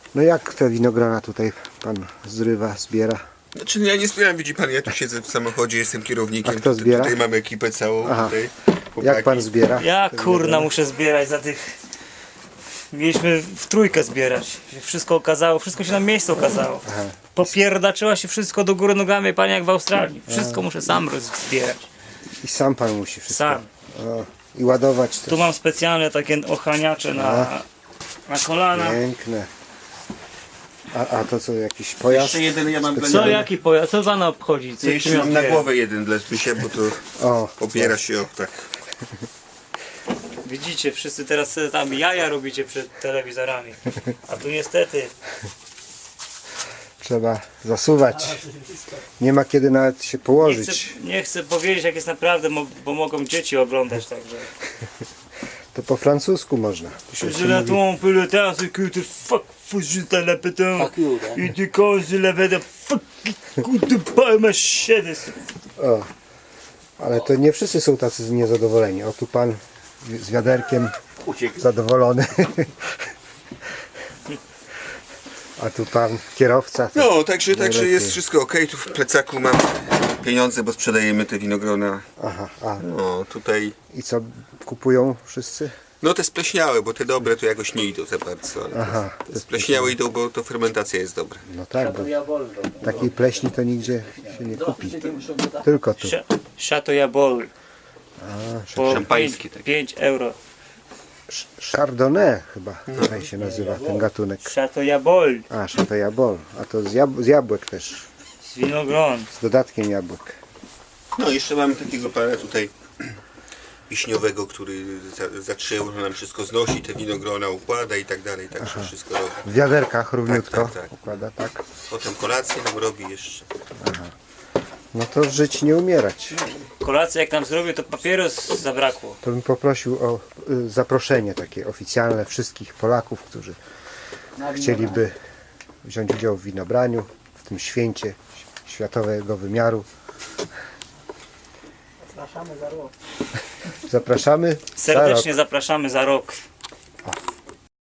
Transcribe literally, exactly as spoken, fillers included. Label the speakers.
Speaker 1: No jak te winogrona tutaj pan zrywa, zbiera?
Speaker 2: Znaczy ja nie zbieram, widzi pan, ja tu siedzę w samochodzie, jestem kierownikiem.
Speaker 1: A kto
Speaker 2: Tutaj-
Speaker 1: zbiera?
Speaker 2: Tutaj mamy ekipę całą.
Speaker 1: Aha.
Speaker 2: Tutaj,
Speaker 1: Jak
Speaker 2: chłopaki.
Speaker 1: pan zbiera?
Speaker 3: Ja
Speaker 1: te
Speaker 3: kurna
Speaker 1: winogrona?
Speaker 3: muszę zbierać za tych... Mieliśmy w trójkę zbierać. Się wszystko okazało, wszystko się na miejscu okazało.
Speaker 1: Aha.
Speaker 3: Popierdaczyła się wszystko do góry nogami, panie, jak w Australii. Wszystko muszę sam zbierać.
Speaker 1: I sam pan musi wszystko.
Speaker 3: Sam.
Speaker 1: O, i ładować też.
Speaker 3: Tu mam specjalne takie ochraniacze na, na kolana.
Speaker 1: Piękne. A, a to co, jakiś pojazd?
Speaker 2: Jeszcze jeden ja mam dla
Speaker 3: Co,
Speaker 2: niego.
Speaker 3: jaki pojazd? Co pana obchodzi? Co,
Speaker 2: Ja jeszcze
Speaker 3: czym ja
Speaker 2: mam na
Speaker 3: zbieram?
Speaker 2: głowę jeden dla Zbysia, bo to
Speaker 1: O,
Speaker 2: opiera się o tak.
Speaker 3: Widzicie, wszyscy teraz sobie tam jaja robicie przed telewizorami. A tu niestety
Speaker 1: trzeba zasuwać. Nie ma kiedy nawet się
Speaker 3: nie chcę,
Speaker 1: położyć.
Speaker 3: nie chcę powiedzieć jak jest naprawdę, mo- bo mogą dzieci oglądać także.
Speaker 1: To po francusku można. Tu się
Speaker 3: Je la
Speaker 1: mówi,
Speaker 3: tombe le temps c'est que te fuck faut juste un lapin. Et tu causes la veda fuck coup de pas ma chaîne.
Speaker 1: o, ale to nie wszyscy są tacy niezadowoleni. O, tu pan z wiaderkiem zadowolony. A tu pan kierowca. To
Speaker 2: No, także, także
Speaker 1: najlepiej.
Speaker 2: jest wszystko ok. Tu w plecaku mam pieniądze, bo sprzedajemy te winogrona.
Speaker 1: Aha, a
Speaker 2: No, tutaj...
Speaker 1: i co kupują wszyscy?
Speaker 2: No te spleśniałe, bo te dobre to jakoś nie idą za bardzo. Ale
Speaker 1: Aha,
Speaker 2: te, te spleśniałe idą, bo to fermentacja jest dobra.
Speaker 1: No tak, bo takiej pleśni to nigdzie się nie kupi. Tylko tu.
Speaker 3: Chateau Jabol. Po
Speaker 2: Szampańskie takie.
Speaker 3: pięć euro.
Speaker 1: Chardonnay chyba tutaj się nazywa ten gatunek.
Speaker 3: Chateau Jabol
Speaker 1: A, Chateau Jabol. A to z, jab z jabłek też.
Speaker 3: z winogron.
Speaker 1: Z dodatkiem jabłek.
Speaker 2: No jeszcze mamy takiego pana tutaj wiśniowego, który za, zaczął, że nam wszystko znosi, te winogrona układa i tak dalej, także wszystko robi.
Speaker 1: W wiaderkach równiutko
Speaker 2: Tak, tak, tak.
Speaker 1: układa, tak.
Speaker 2: Potem kolację nam robi jeszcze.
Speaker 1: No to żyć, nie umierać.
Speaker 3: Kolację jak nam zrobił, to papieros zabrakło.
Speaker 1: To bym poprosił o y, zaproszenie takie oficjalne wszystkich Polaków, którzy chcieliby wziąć udział w winobraniu, w tym święcie światowego wymiaru.
Speaker 3: Zapraszamy za rok.
Speaker 1: Zapraszamy. za rok.
Speaker 3: Serdecznie zapraszamy za rok.